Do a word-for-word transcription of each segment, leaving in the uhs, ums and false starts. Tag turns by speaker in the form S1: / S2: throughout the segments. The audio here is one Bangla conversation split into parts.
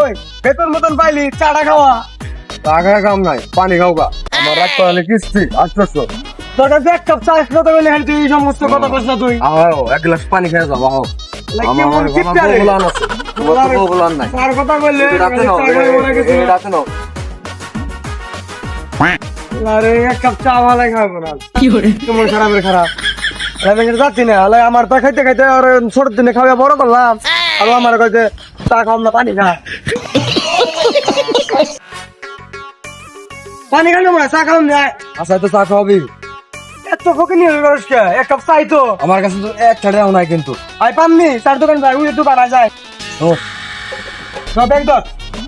S1: ওই বেতন মতন পাইলি চাটা খাওয়া
S2: টাকা কাম নাই পানি খাও গা আমার রাগ করালে কিস্তি আসতেছো
S1: তোর কাছে এক কাপ চা কথা বলে হ্যাঁ তুই এই সমস্ত কথা বলছ না তুই
S2: আও এক গ্লাস পানি খেয়ে যাও আও আমার
S1: কেমন
S2: আমার
S1: কিপটা রে?
S2: বলান আছে তোমার তো বলান নাই
S1: তার কথা বললে
S2: রাতে নাও
S1: চা খাই মনে কিছু না।
S2: রাতে নাও
S1: আরে এক কাপ চা ভালো খাবো না কি করে তোমার খারাপের খারাপ আমি যাচ্ছি না হলে আমার তো খাইতে খাইতে আর ছোট দিনে খাওয়া বড় করলাম আর আমার কাছে চা খাওয়াম না পানি খা পানি খাই না চা খাওয়াম না
S2: আচ্ছা তো চা খাওয়াবি
S1: এত ফোকে নিয়ে মানুষ কে এক কাপ চাই তো
S2: আমার কাছে তো এক ছাড়াও নাই কিন্তু
S1: আই পামনি চার দোকান যাই ওই দোকান আ যায়
S2: ও
S1: না ব্যাংক দর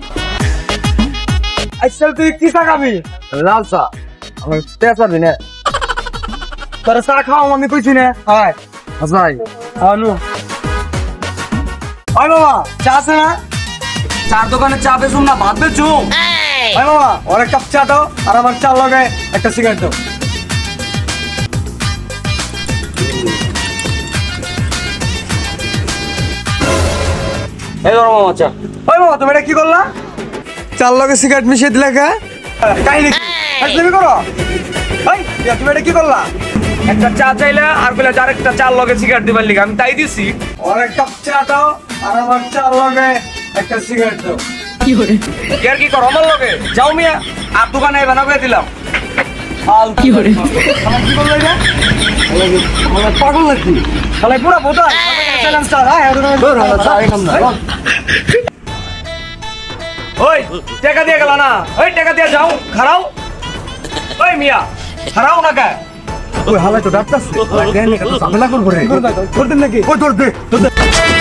S1: আচ্ছা তুই কি চা খাবি
S2: লাল চা আমার তেজ পারবি না
S1: তোর চা খাওয়াম আমি কইছি না হয়
S2: আচ্ছা
S1: আনু আয় বাবা চা আছে না
S2: চার দোকানে চা বেচুম না ভাত বেচুম
S1: আয় বাবা ওর এক কাপ চা দাও আর আমার চা লগে একটা সিগারেট দাও
S2: এই ধরো মামা চা
S1: ওই বাবা তুমি এটা কি করলা চার লগে সিগারেট মিশিয়ে দিলে কে কাহিনী তুমি করো এই তুমি এটা কি করলা
S3: একটা চা চাইলে আর বলে আরেকটা চার লগে সিগারেট দিবার লিগে আমি তাই দিছি
S1: ওর এক কাপ চা দাও আর আমার চা লগে একটা সিগারেট দাও
S3: আর কি করো আমার লগে যাও মিয়া আর দোকানে বানা করে দিলাম
S1: আল কি করে আমার কি করলো এটা আমার পাগল নাকি তাহলে পুরো বোতল চ্যালেঞ্জ স্টার হ্যাঁ
S2: তোর হলো চা এখান না
S3: ওই টাকা দিয়ে গেল না ওই টাকা দিয়ে যাও খারাও ওই মিয়া খারাও না কে
S2: ওই হালাই তো ডাক্তার দেন এটা তো ঝামেলা করবো রে
S1: করতেন নাকি
S2: ওই তোর দে তোর দে